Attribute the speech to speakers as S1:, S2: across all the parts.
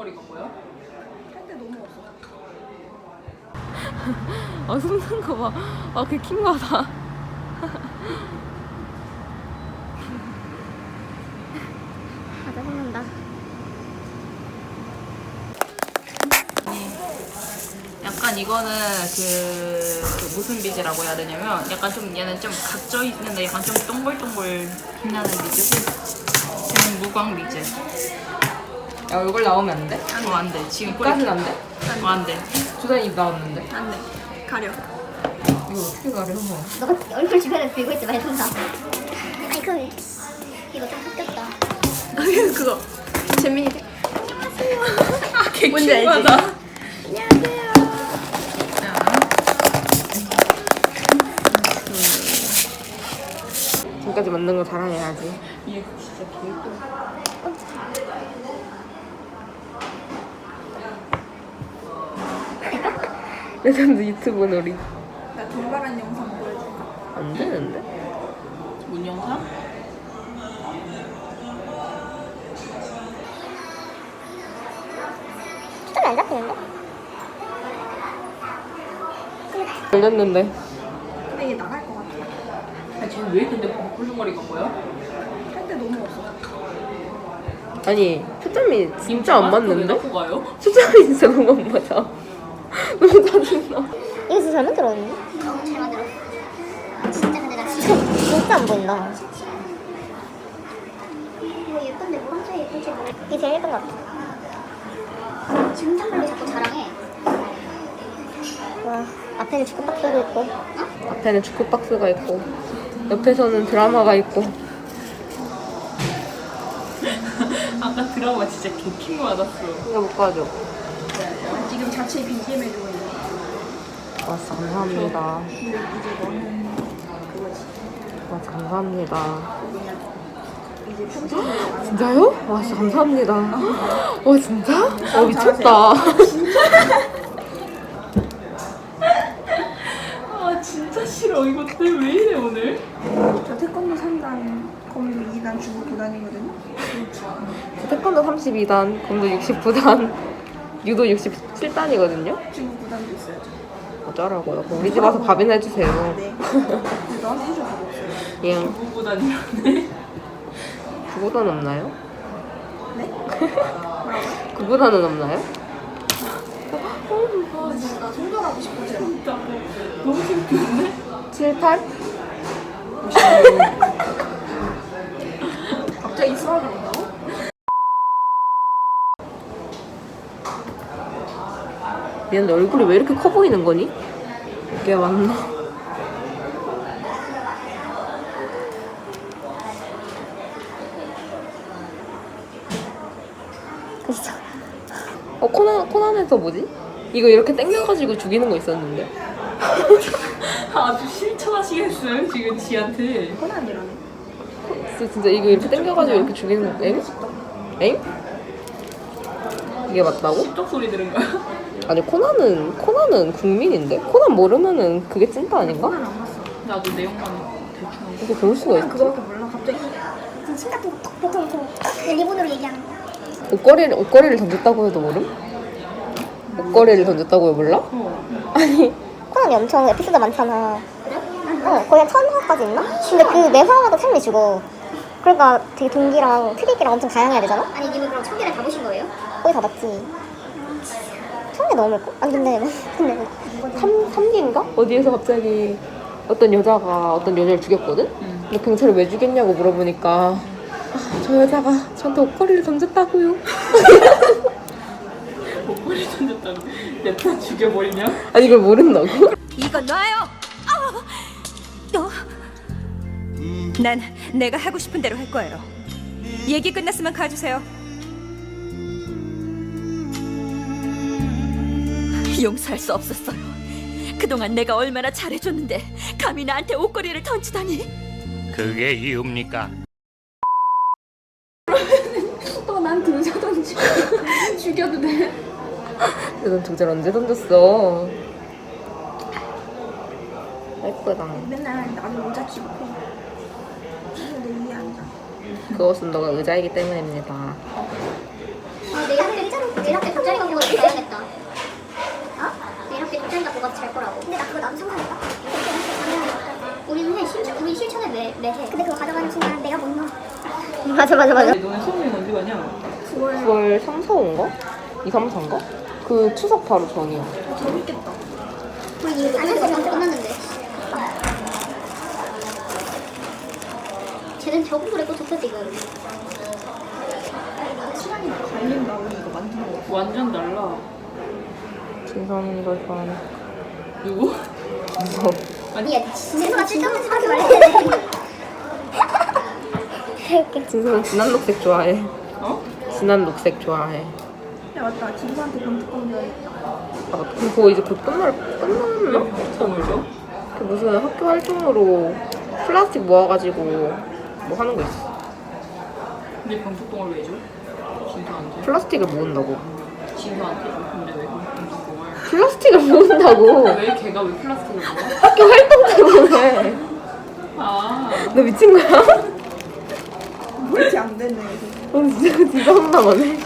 S1: 거리가 뭐야?
S2: 할 때 너무 없어.
S3: 아 숨는 거 봐. 아 그 킹받아.
S4: 가자 먹는다.
S3: 약간 이거는 그 무슨 비즈라고 해야 되냐면 약간 좀 얘는 좀 각져 있는데 약간 좀 동글동글 빛나는 비즈고 얘는 무광 비즈.
S1: 야 얼굴 나오면 안 돼?
S3: 안 돼. 지금 꼬리
S1: 까진 안 돼?
S3: 안 돼.
S1: 주단 입 나왔는데.
S2: 안 돼. 가려.
S1: 이거 어떻게 가려?
S4: 너가 얼굴 주변에 들고 있지 마, 통사. 아니 그럼 이거 좀 섞였다.
S2: 그거. 재민이 돼.
S3: 아, 개
S2: 뭔지 알지?
S3: 킹받아.
S2: 안녕하세요.
S1: 지금까지 만든 거 자랑해야지.
S3: 얘 진짜 개꿀.
S1: 레전드 유튜브 놀이.
S2: 나 돌발한 영상 보여줄까?
S1: 안 되는데?
S3: 뭔 영상?
S4: 초점이 안 잡히는데?
S1: 걸렸는데.
S2: 근데 얘 나갈 것 같아.
S3: 아, 쟤는 왜 근데 꿀렁거리가 뭐야?
S2: 할 때 너무 없어.
S1: 아니 초점이 진짜 안 맞는데?
S3: 갖고 가요?
S1: 초점이 진짜 너무 안 맞아. 너무 짜증나.
S4: 이거 진짜 잘 만들었는데? 잘 만들었어. 진짜 근데 나 진짜 안 보인다. 이거 예쁜데 뭐 한쪽에 예쁜지 모르겠어. 이게 제일 예쁜 것 같아. 지금 탐블로 자꾸 자랑해. 와, 앞에는 축구 박스도 있고.
S1: 앞에는 축구 박스가 있고 옆에서는 드라마가 있고.
S3: 아까 드라마 진짜 개 킹받았어.
S1: 이거 못 가져.
S2: 지금 자체 BGM 해주고 있는.
S1: 와 감사합니다.
S2: 근데 이제 너는 그거지.
S1: 와 감사합니다.
S2: 이제 편집을
S1: 진짜요? 와 진짜 감사합니다. 와 진짜? 미쳤다.
S3: 아 진짜 싫어. 이것들 왜 이래 오늘?
S2: 저 태권도 3단, 검도 2단, 주부 9단이거든요.
S1: 태권도 32단, 검도 69단, 유도 67단이거든요.
S2: 주부 9단도 있어요.
S1: 어쩌라고요? 그럼 우리 집 와서 밥이나 해주세요.
S2: 네. 근데 너한테 해줄 거 없어요.
S1: 예.
S3: 부부단이라네.
S1: 구보단 없나요?
S2: 네?
S1: 구보단은 없나요?
S2: 아, 진짜 나 손절하고 싶어, 제가.
S3: 진짜 너무 창피한데?
S1: 7, 8?
S2: 갑자기 수학을 한다고?
S1: 미안한데 얼굴이 왜 이렇게 커 보이는 거니? 이게 맞나?
S4: 그죠?
S1: 코난에서 뭐지? 이거 이렇게 당겨가지고 죽이는 거 있었는데.
S3: 아주 실천하시겠어요 지금 지한테.
S2: 코난이라네.
S1: 진짜 이거 이렇게 당겨가지고 이렇게 죽이는 거. 엥? 엥? 이게 맞다고?
S3: 십적 소리 들은 거야?
S1: 아니 코난은 국민인데? 코난 모르면은 그게 찐따 아닌가?
S2: 코난 안 봤어.
S3: 나도 내용만 대충 알고.
S1: 어떻게 그럴 수가
S2: 코난
S1: 있지?
S2: 그거밖에 몰라, 갑자기.
S4: 그 심각한 보통 그 리본으로 얘기하는 거.
S1: 옷걸이를 던졌다고 해도 모름? 옷걸이를 던졌다고 해 몰라? 아니
S4: 코난이 엄청 에피소드 많잖아. 거의 한 1000화까지 있나? 근데 그 매 화마다 템이 죽어. 그러니까 되게 동기랑 트릭이랑 엄청 다양해야 되잖아? 아니 님은 그럼 1000개를 다 보신 거예요? 거의 다 봤지. 1000개 넘을걸? 아니 근데
S1: 3기인가? 어디에서 갑자기 어떤 여자를 죽였거든? 근데 경찰이 왜 죽였냐고 물어보니까 아, 저 여자가 저한테 옷걸이를 던졌다고요.
S3: 목걸이 던졌다고 냅다 죽여버리냐?
S1: 아니 이걸 모른다고?
S5: 이거 놔요. 난 내가 하고 싶은 대로 할 거예요. 얘기 끝났으면 가주세요. 용서할 수 없었어요. 그동안 내가 얼마나 잘해줬는데 감히 나한테 옷걸이를 던지다니.
S6: 그게 이유입니까?
S2: 난 등자던지 죽여도 돼?
S1: 넌 도잘 언제 던졌어? 예쁘다.
S2: 맨날 나는 모자 치고 해. 근데 내 위에 앉아.
S1: 그것은 너가 의자이기 때문입니다.
S4: 내가 의자로 내가 그거 나도 상관없다. 우리는 우리 실천을 매해. 근데 그거 가져가는 순간 내가 못 넣어. 맞아.
S3: 너네 수업이 언제 가냐?
S1: 9월 3, 4인가? 2, 3, 4인가? 그 추석 바로 전이야.
S2: 재밌겠다.
S4: 우리 이거 안에서 끝났는데. 쟤는 적응을 했고 좋다 지금.
S2: 시간이 갈린다. 우리 이거 만드는 거.
S3: 완전 달라.
S1: 진선은 이걸 좋아하네.
S3: 누구?
S1: 무서워.
S4: 아니야 진짜가 쓸데없는 하지 말래.
S1: 진선은 진한 녹색 좋아해.
S3: 어?
S1: 진한 녹색 좋아해.
S2: 야 맞다. 김수한테 검투권 줘야겠다.
S1: 아, 그럼 그거 이제 곧 끝났나?
S3: 정을 줘?
S1: 그 무슨 학교 활동으로 플라스틱 모아가지고 뭐 하는 거 있어.
S3: 근데 병뚜껑을 왜 줘? 진서한테?
S1: 플라스틱을 모은다고.
S3: 진서한테 줘? 근데 왜 병뚜껑을?
S1: 플라스틱을 모은다고.
S3: 왜 걔가 왜 플라스틱을 먹어?
S1: 학교 활동 때문에.
S3: 아.
S1: 너 미친 거야?
S2: 그렇지 안 되네.
S1: 너 진짜 혼나가네.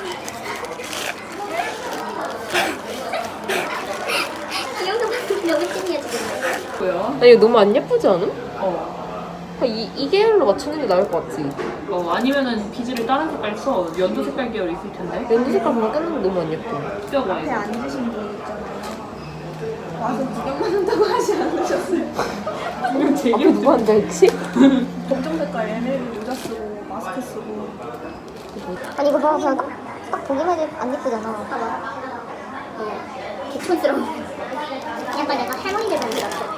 S4: 기영도 너무 찐이야 지금.
S3: 뭐야?
S1: 나 이거 너무 안 예쁘지 않음?
S3: 어.
S1: 이 계열로 맞추는 게 나을 것 같지?
S3: 아니면은 비즈를 다른 색깔 써. 연두 색깔 계열 있을 텐데.
S1: 연두 색깔 보면 끊는 게 너무 안 예뻐.
S3: 뼈가
S2: 앞에
S3: 이거.
S2: 앉으신 분 있잖아요. 와서 구경만 한다고 하지 않으셨어요?
S3: 이거 되게
S1: 앞에 누가 앉아있지?
S2: 검정 색깔 에메랄드 모자 쓰고 마스크 쓰고.
S4: 아니 이거 봐 그냥 딱 보기만 해도 안 예쁘잖아. 봐봐. 개촌스러워. 약간 할머니들 보는 것 같아.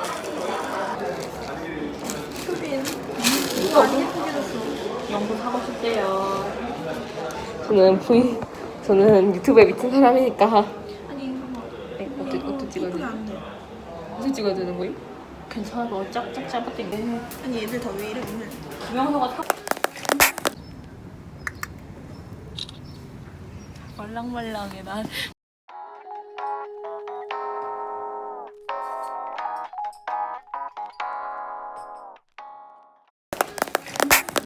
S2: 수빈. 이거 안 예쁘게 줬어.
S3: 연구 사고 싶대요.
S1: 저는 유튜브에 미친 사람이니까.
S2: 아니 이거 봐.
S1: 어떻게 찍어야
S2: 예쁘게
S1: 돼?
S2: 안 돼.
S1: 어떻게 찍어야 되는 거임?
S3: 괜찮아, 너 짝짝 잡아당겨.
S2: 아니 얘들 다 왜 이래 오늘.
S3: 김영서가 타. 말랑말랑해.